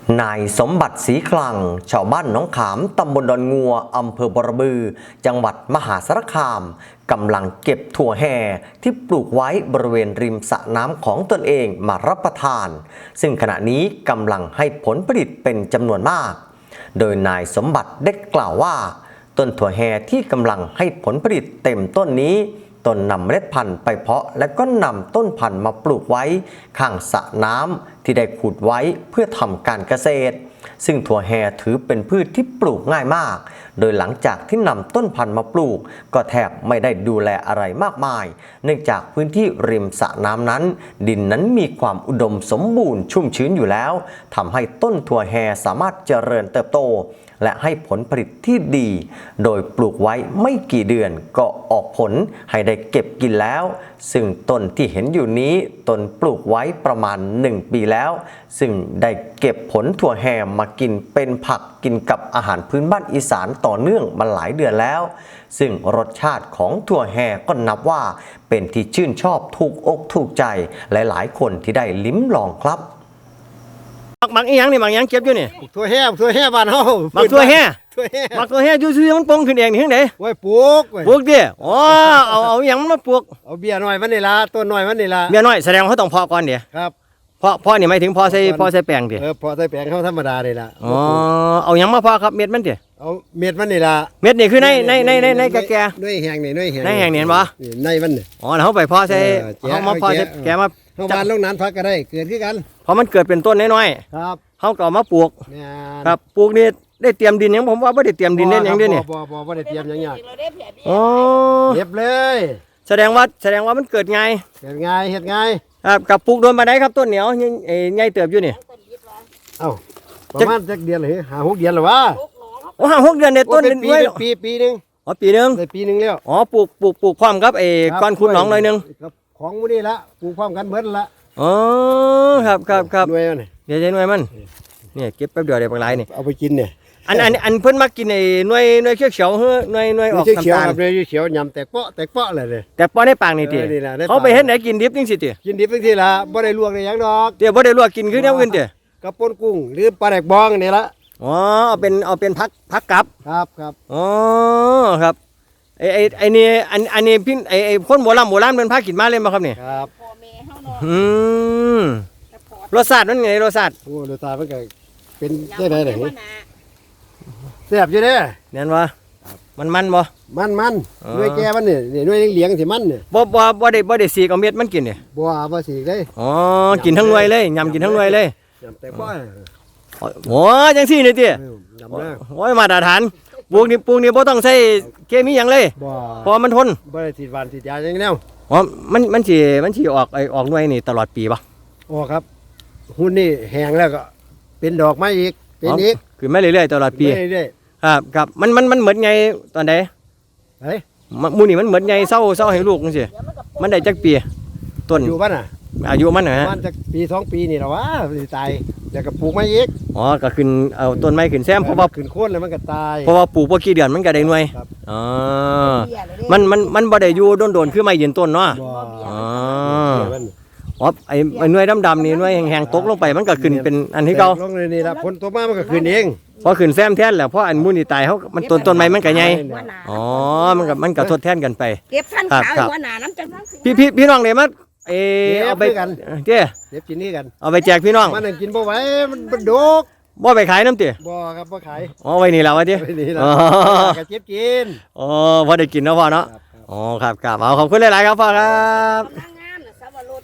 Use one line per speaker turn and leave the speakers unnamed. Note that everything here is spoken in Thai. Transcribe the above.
นายสมบัติศรีคลังชาวบ้านหนองขามตำบลดอนงัวอำเภอบรบือจังหวัดมหาสารคามกำลังเก็บถั่วแห่ที่ปลูกไว้บริเวณริมสระน้ำของตนเองมารับประทานซึ่งขณะนี้กำลังให้ผลผลิตเป็นจำนวนมากโดยนายสมบัติได้กล่าวว่าต้นถั่วแห่ที่กำลังให้ผลผลิตเต็มต้นนี้ตนนำเมล็ดพันธุ์ไปเพาะและก็นำต้นพันธุ์มาปลูกไว้ข้างสระน้ำที่ได้ขุดไว้เพื่อทำการเกษตรซึ่งถั่วแห่ถือเป็นพืชที่ปลูกง่ายมากโดยหลังจากที่นำต้นพันธุ์มาปลูกก็แทบไม่ได้ดูแลอะไรมากมายเนื่องจากพื้นที่ริมสระน้ำนั้นดินนั้นมีความอุดมสมบูรณ์ชุ่มชื้นอยู่แล้วทำให้ต้นถั่วแห่สามารถเจริญเติบโตและให้ผลผลิตที่ดีโดยปลูกไว้ไม่กี่เดือนก็ออกผลให้ได้เก็บกินแล้วซึ่งต้นที่เห็นอยู่นี้ต้นปลูกไว้ประมาณ1 ปีแล้วซึ่งได้เก็บผลถั่วแห่มากินเป็นผักกินกับอาหารพื้นบ้านอีสานต่อเนื่องมาหลายเดือนแล้วซึ่งรสชาติของถั่วแห่ก็นับว่าเป็นที่ชื่นชอบถูกอกถูกใจหลายๆคนที่ได้ลิ้มลองครับ
หมักอีหยังนี่หมักอีหยังเก็บอยู่นี่
ถั่วแห่บ้านเฮา
หมักถั่วแห่
ถั่วแห่
หมักถั่วแห่ซื่อๆมันปงขึ้นเองนี่จังได๋
ไว้ปลูก
ปลูกดิอ๋อเอาอีหยังมาปลูก
เอาเบี้ยน้อยมันนี่ล่ะต้นน้อยมันนี่ล่ะ
เบี้ยน้อยแสดงว่าเขาต้องเพาะก่อนเด้
ครับ
เพาะนี่หมายถึงเพาะใส่แป้งดิ
เพาะใส่แป้งเฮาธรรมดานี่ล่ะ
อ๋อเอาหยังมาเพาะครับเม็ดมันดิ
เอาเม็ดมันนี่ล่ะ
เม็ดนี่คือในแก่
ๆด้วยแห้งนี่ด้วยแห้ง
ในแห้งนี่เห็นบ่
ในมันนี่
อ๋อแล้วเฮาไปเพาะใส่เฮามาเพาะใส่แกมา
เฮาบ้านลงนั้นพักก็ได้เกิดคือกัน
พอมันเกิดเป็นต้นน้อย
ๆครับ
เฮาก็เอามาปลูกครับปลูกนี่ได้เตรียมดินหยังผมว่าบ่ได้เตรียมดินเด้หยังเด้นี่
บ่ได้เตรียมหยังยาก
อ๋อ
เก็บเลย
แสดงว่ามันเกิดง่าย
เฮ็ดง่าย
ครับกับปลูกโดนมาได้ครับต้นเหนียวใหญ่เติบอยู่นี่
เอ้าประมาณจักเดือนเลย5-6 เดือนแล้ววะ
โอ้5-6 เดือนในต้น
ด้วยปีนึง
อ๋อปีนึง
ได้ปีนึงแล้ว
อ๋อปลูกพร้อมกับก้อนขุดหนองหน่อยนึง
ของมื้อนี้ละปลูกพร้อมกันเบิดละ
อ๋อครับ
หน่วยมัน
เดี๋ยวใช้หน่วยมันเนี่ยเก็บแป๊บเดียวได้บางหลายนี่
เอาไปกินเนี่ย
อันเพิ่นมากินหน่วยเขียวๆเฮ้อหน่วยออกน้ำตาล
หน่วยเขียวยำแตกเปาะเลย
แต่เปาะในปากนี่ติเขาไปเฮ็ดไหนกินดิบจังซี่ติ
กินดิบจังซี่ล่ะบ่ได้ลวกได้หยังดอก
เดี๋ยวบ่ได้ลวกกินคือแนวอื่นติ
กับป่นกุ้งหรือปลาแดกบองนี่ละ
อ๋อเอาเป็นผักกับ
ครับ
อ๋อครับไอ้นี่อันนี้พี่ไอ้คนโบราณเพิ่นพากินมาเลยบ่ครับนี่
ครับ
พ่อแม่เฮาเนาะ
รสชาติมันไงรสชาติ
โอ้รสชาติมันก็เป็นจังได๋ล่ะแซ่บอยู่เด้
แม่นบ่มันบ่
มันด้วยแก่มันนี่ด้วยเหลียงสิมันนี่
บ่ได้สีกเอาเม็ดมันกินนี่
บ่สีเลย
อ๋อกินทั้งหน่วยเลยยำกินทั้งหน่วยเลย
ยำแต่บ่
โอ้จังซี่นี่ติโอ้ยมาตรฐานปลูกนี่บ่ต้องใช้เคมีหยังเลยเพราะมันทน
บ่ได้ฉีดหวานฉีดยาจังแนว
อ๋อมันสิออกหน่วยนี่ตลอดปีบ่
อ๋อครับหุ่นนี่แห้งแล้วก็เป็นดอกไม้อีกเป็นอีก
คือไม่เรื่อยๆตลอดปีครับมันเหมือนไงตอนใด
เฮ้ย
มูนี่มันเหมือนไงเศร้าให้ลูกจังซี่มันได้จักปีต้น
อยู่บ้านน่ะ
อายุมันฮะ
มันจักปี2 ปีนี่ล่ะวะสิตายแล้วก็ปลูกไม้อีก
อ๋อก็ขึ้นเอาต้นไม้ขึ้นแซมเพราะว่า
ขึ้นโคนแล้วมันก็ตาย
เพราะว่าปลูกบ่กี่เดือนมันก็ได้หน่วยอ๋อมันบ่ได้อยู่โดนคือไม้ยืนต้นเนาะอ๋อไอ้หน่วยดำๆนี่หน่วยแห้งๆตกลงไปมันก็ขึ้นเป็นอันที่เก่า
ลงนี่ล่ะฝนตกมามันก็ขึ้นเอง
พอขึ้นแซมแทนแล้วเพราะอันมูนี่ตายเขามันต้นไม้มันก็ใหญ่อ๋อมันก็ทดแทนกันไป
เก็บทันขาวหัวหน้าน้ำจัง
พี่น้องเนี่ยมาเอาไป
กัน
เจ้
เก็บกินนี่กัน
เอาไปแจกพี่น้อง
มันกินบ่ไหวมันดก
บ่ไปขายน้ำเจ้
บ่ครับบ่ขาย
อ๋อไว้นี่แล้ววะเจ้
อ๋อก็เก็บกิน
อ๋อพอได้กินแล้วพ่อเนาะอ๋อครับเอาขอบคุณหลายๆครับพ่อครับ